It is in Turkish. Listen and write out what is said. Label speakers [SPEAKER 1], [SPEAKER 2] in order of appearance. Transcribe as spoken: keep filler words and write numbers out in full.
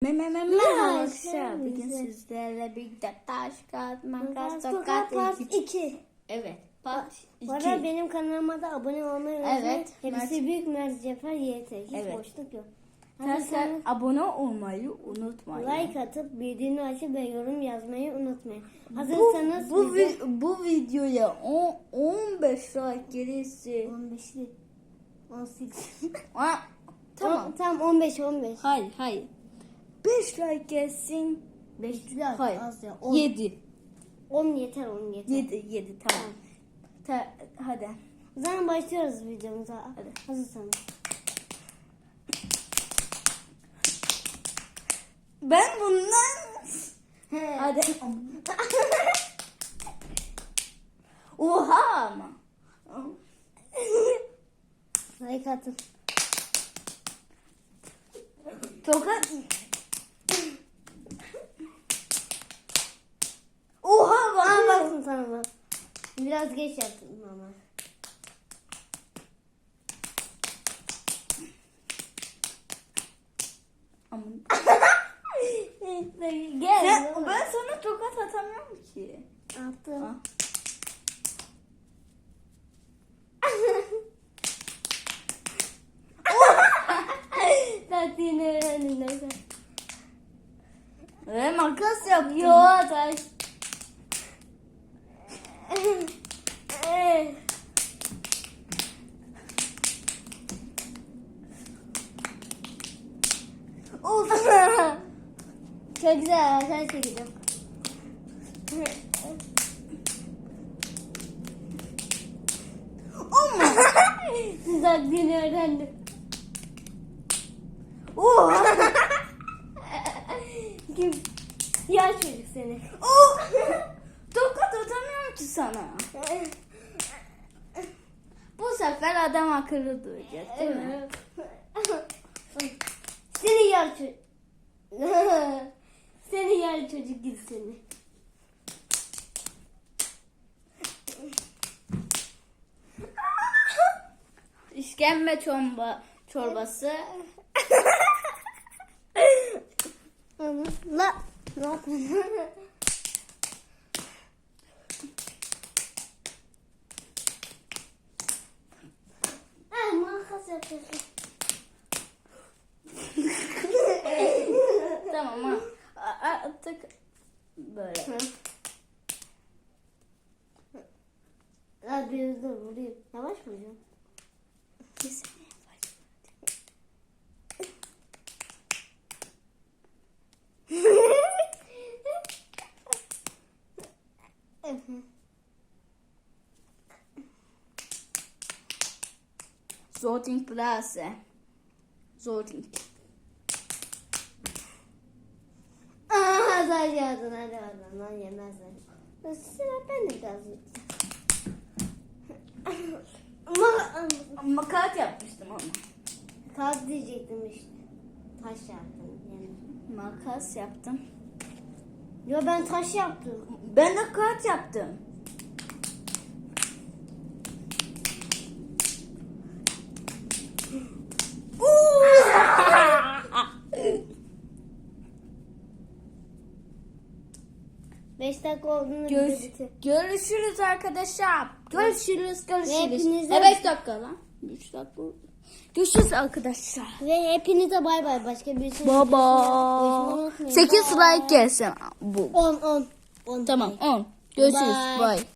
[SPEAKER 1] Merhaba arkadaşlar. Bugün sizlerle birlikte taş, kağıt, makas, tokat,
[SPEAKER 2] Part
[SPEAKER 1] iki.
[SPEAKER 2] iki.
[SPEAKER 1] Evet, part
[SPEAKER 2] Bu arada
[SPEAKER 1] iki.
[SPEAKER 2] benim kanalıma da abone olmayı unutmayın.
[SPEAKER 1] Evet,
[SPEAKER 2] Hepsi
[SPEAKER 1] Mert-
[SPEAKER 2] büyük Mert Cefer Y T. Hiç
[SPEAKER 1] Evet.
[SPEAKER 2] boşluk yok.
[SPEAKER 1] Arkadaşlar
[SPEAKER 2] Hazırsanız
[SPEAKER 1] abone olmayı unutmayın.
[SPEAKER 2] like atıp bildiğini açıp ve yorum yazmayı unutmayın.
[SPEAKER 1] Bu,
[SPEAKER 2] Hazırsanız
[SPEAKER 1] bu,
[SPEAKER 2] video...
[SPEAKER 1] vi- bu videoya on, on beş like gelirse
[SPEAKER 2] on beşli. on sekiz.
[SPEAKER 1] Aa, tamam.
[SPEAKER 2] Tamam. Tamam on beş on beş.
[SPEAKER 1] Hayır, hayır. beş like gelsin.
[SPEAKER 2] beş
[SPEAKER 1] Hayır.
[SPEAKER 2] az ya. on.
[SPEAKER 1] yedi.
[SPEAKER 2] on yeter on yeter.
[SPEAKER 1] yedi, yedi tamam. Ta, hadi.
[SPEAKER 2] O zaman başlıyoruz videomuza.
[SPEAKER 1] Hadi.
[SPEAKER 2] Hazırsanız.
[SPEAKER 1] Ben bundan... Hadi. Oha ama.
[SPEAKER 2] Like atın.
[SPEAKER 1] Tokat. Oha bana
[SPEAKER 2] Aa,
[SPEAKER 1] bak.
[SPEAKER 2] baksın sana bak. Biraz geç yaptım ama.
[SPEAKER 1] Aman.
[SPEAKER 2] Gel.
[SPEAKER 1] Sen, ben sana tokat atamıyorum ki.
[SPEAKER 2] Attım.
[SPEAKER 1] Ah.
[SPEAKER 2] Taktiğini öğrendim neyse.
[SPEAKER 1] Ve makas yaptım.
[SPEAKER 2] Yo taş.
[SPEAKER 1] Of.
[SPEAKER 2] Çok güzel sen çekeceğim.
[SPEAKER 1] Ama.
[SPEAKER 2] Siz taktiğini öğrendim.
[SPEAKER 1] Oha.
[SPEAKER 2] Kim? Ya çocuk seni.
[SPEAKER 1] Oh. Tokat atamıyorum ki sana. Bu sefer adam akıllı duyacak değil mi?
[SPEAKER 2] Seni yer çocuk. Seni yer çocuk git seni.
[SPEAKER 1] İşkembe çorba, çorbası.
[SPEAKER 2] La. Ne yapıyorsun? Ah, makas yapıyorsun.
[SPEAKER 1] Tamam ha. A- a- Tık. Böyle.
[SPEAKER 2] Ya biraz da vurayım. Yavaş vuracağım.
[SPEAKER 1] Sorting Plaza. Sorting.
[SPEAKER 2] Aa, sadece yazın hadi oradan lan yemezler. Sıra ben de biraz Ama
[SPEAKER 1] Makat yapmıştım ama.
[SPEAKER 2] kağıt diyecektim işte. Taş yaptım yani.
[SPEAKER 1] Makas yaptım.
[SPEAKER 2] Yo ben taş yaptım.
[SPEAKER 1] Ben de kağıt yaptım.
[SPEAKER 2] Beş dakika olduğunu
[SPEAKER 1] Görüş,
[SPEAKER 2] bitti.
[SPEAKER 1] görüşürüz arkadaşlar. Görüşürüz, görüşürüz.
[SPEAKER 2] hepinize-
[SPEAKER 1] E beş dakika lan. üç dakika. Görüşürüz arkadaşlar.
[SPEAKER 2] Ve hepinize bay bay. Başka bir şey.
[SPEAKER 1] Baba. sekiz like gelsin bu.
[SPEAKER 2] on on. on
[SPEAKER 1] Tamam on. Görüşürüz.
[SPEAKER 2] Bye.
[SPEAKER 1] Bye.